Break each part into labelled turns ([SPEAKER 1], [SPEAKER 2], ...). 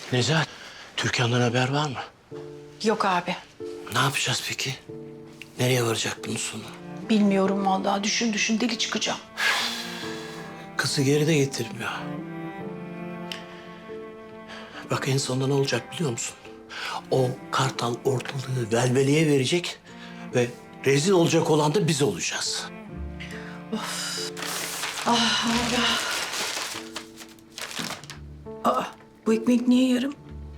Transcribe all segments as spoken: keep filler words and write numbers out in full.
[SPEAKER 1] Nezahat, Türkan'dan haber var mı?
[SPEAKER 2] Yok abi.
[SPEAKER 1] Ne yapacağız peki? Nereye varacak bunun sonu?
[SPEAKER 2] Bilmiyorum vallahi. Düşün düşün deli çıkacağım.
[SPEAKER 1] Kızı geri de getirmiyor. Bak en sonunda ne olacak biliyor musun? O Kartal ortalığı velveleye verecek ve rezil olacak olan da biz olacağız.
[SPEAKER 2] Aa, bu ekmek niye yarım?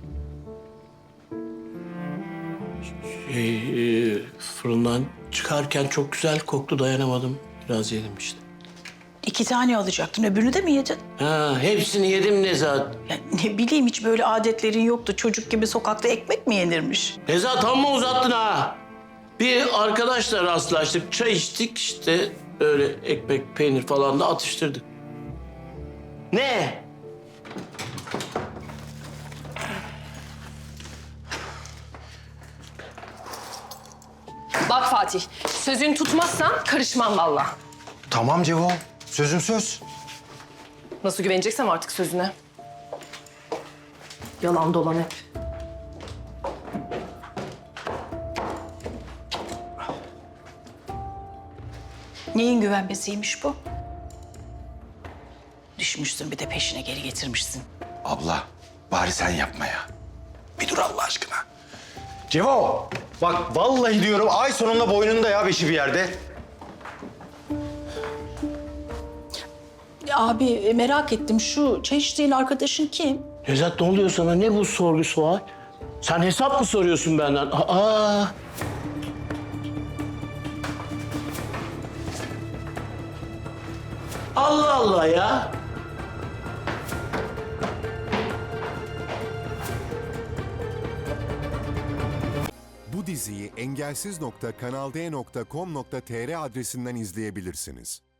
[SPEAKER 1] Şey, e, fırından çıkarken çok güzel koktu, dayanamadım. Biraz yedim işte.
[SPEAKER 2] İki tane alacaktın. Öbürünü de mi yedin?
[SPEAKER 1] Ha, hepsini yedim Nezahat.
[SPEAKER 2] Ya ne bileyim hiç böyle adetlerin yoktu. Çocuk gibi sokakta ekmek mi yenirmiş?
[SPEAKER 1] Nezahat amma uzattın ha. Bir arkadaşla rastlaştık, çay içtik işte öyle ekmek, peynir falan da atıştırdık. Ne?
[SPEAKER 3] Bak Fatih, sözünü tutmazsan karışmam vallahi.
[SPEAKER 4] Tamam Cevo. Sözüm söz.
[SPEAKER 3] Nasıl güveneceksem artık sözüne. Yalan dolan hep.
[SPEAKER 2] Neyin güvenmesiymiş bu? Düşmüşsün bir de peşine geri getirmişsin.
[SPEAKER 4] Abla bari sen yapma ya. Bir dur Allah aşkına. Cevo. Bak vallahi diyorum ay sonunda boynunda ya beşi bir yerde.
[SPEAKER 2] Ya abi e, merak ettim şu çay içtiğin arkadaşın kim?
[SPEAKER 1] Nezahat ne oluyor sana? Ne bu sorgu sual? Sen hesap mı soruyorsun benden? Aa! Allah Allah ya.
[SPEAKER 5] Bu diziyi engelsiz nokta kanal d nokta com nokta tr adresinden izleyebilirsiniz.